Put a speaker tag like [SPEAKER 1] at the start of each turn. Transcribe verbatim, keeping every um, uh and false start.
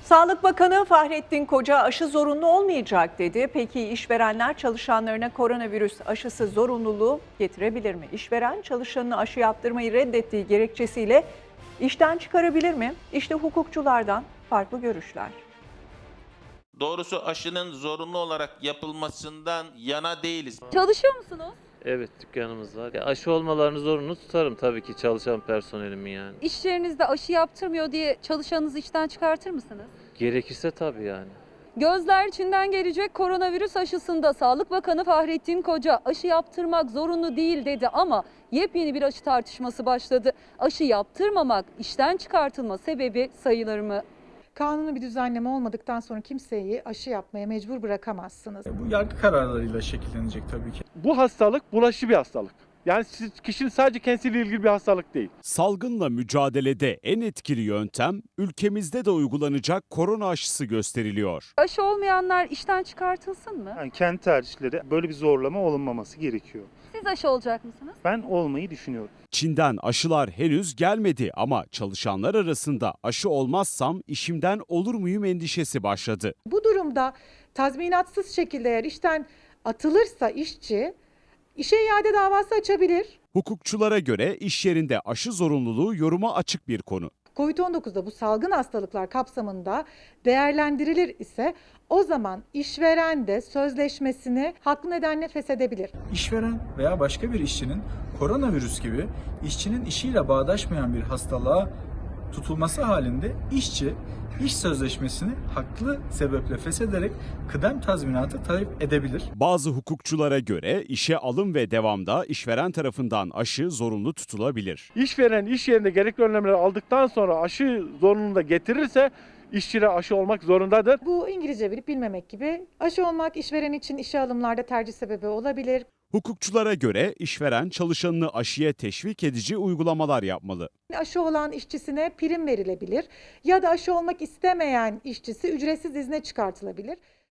[SPEAKER 1] Sağlık Bakanı Fahrettin Koca aşı zorunlu olmayacak dedi. Peki işverenler çalışanlarına koronavirüs aşısı zorunluluğu getirebilir mi? İşveren çalışanına aşı yaptırmayı reddettiği gerekçesiyle işten çıkarabilir mi? İşte hukukçulardan farklı görüşler.
[SPEAKER 2] Doğrusu aşının zorunlu olarak yapılmasından yana değiliz.
[SPEAKER 3] Çalışıyor musunuz?
[SPEAKER 4] Evet, dükkanımız var. Ya aşı olmalarını zorunlu tutarım tabii ki çalışan personelimi yani.
[SPEAKER 3] İş yerinizde aşı yaptırmıyor diye çalışanınızı işten çıkartır mısınız?
[SPEAKER 4] Gerekirse tabii yani.
[SPEAKER 3] Gözler Çin'den gelecek koronavirüs aşısında Sağlık Bakanı Fahrettin Koca aşı yaptırmak zorunlu değil dedi ama yepyeni bir aşı tartışması başladı. Aşı yaptırmamak işten çıkartılma sebebi sayılır mı?
[SPEAKER 5] Kanuni bir düzenleme olmadıktan sonra kimseyi aşı yapmaya mecbur bırakamazsınız.
[SPEAKER 6] Bu yargı kararlarıyla şekillenecek tabii ki.
[SPEAKER 7] Bu hastalık bulaşıcı bir hastalık. Yani siz, kişinin sadece kendisiyle ilgili bir hastalık değil.
[SPEAKER 8] Salgınla mücadelede en etkili yöntem ülkemizde de uygulanacak korona aşısı gösteriliyor.
[SPEAKER 3] Aşı olmayanlar işten çıkartılsın mı?
[SPEAKER 9] Yani kendi tercihleri, böyle bir zorlama olunmaması gerekiyor.
[SPEAKER 3] Siz aşı olacak mısınız?
[SPEAKER 9] Ben olmayı düşünüyorum.
[SPEAKER 8] Çin'den aşılar henüz gelmedi ama çalışanlar arasında aşı olmazsam işimden olur muyum endişesi başladı.
[SPEAKER 5] Bu durumda tazminatsız şekilde eğer işten atılırsa işçi işe iade davası açabilir.
[SPEAKER 8] Hukukçulara göre iş yerinde aşı zorunluluğu yoruma açık bir konu.
[SPEAKER 5] kovid on dokuzda bu salgın hastalıklar kapsamında değerlendirilir ise o zaman işveren de sözleşmesini haklı nedenle feshedebilir.
[SPEAKER 6] İşveren veya başka bir işçinin koronavirüs gibi işçinin işiyle bağdaşmayan bir hastalığa tutulması halinde işçi iş sözleşmesini haklı sebeple feshederek kıdem tazminatı talep edebilir.
[SPEAKER 8] Bazı hukukçulara göre işe alım ve devamda işveren tarafından aşı zorunlu tutulabilir.
[SPEAKER 7] İşveren iş yerinde gerekli önlemleri aldıktan sonra aşı zorunluluğunu da getirirse işçiler aşı olmak zorundadır.
[SPEAKER 5] Bu İngilizce bilip bilmemek gibi aşı olmak işveren için işe alımlarda tercih sebebi olabilir.
[SPEAKER 8] Hukukçulara göre işveren çalışanını aşıya teşvik edici uygulamalar yapmalı.
[SPEAKER 5] Aşı olan işçisine prim verilebilir ya da aşı olmak istemeyen işçisi ücretsiz izne çıkartılabilir.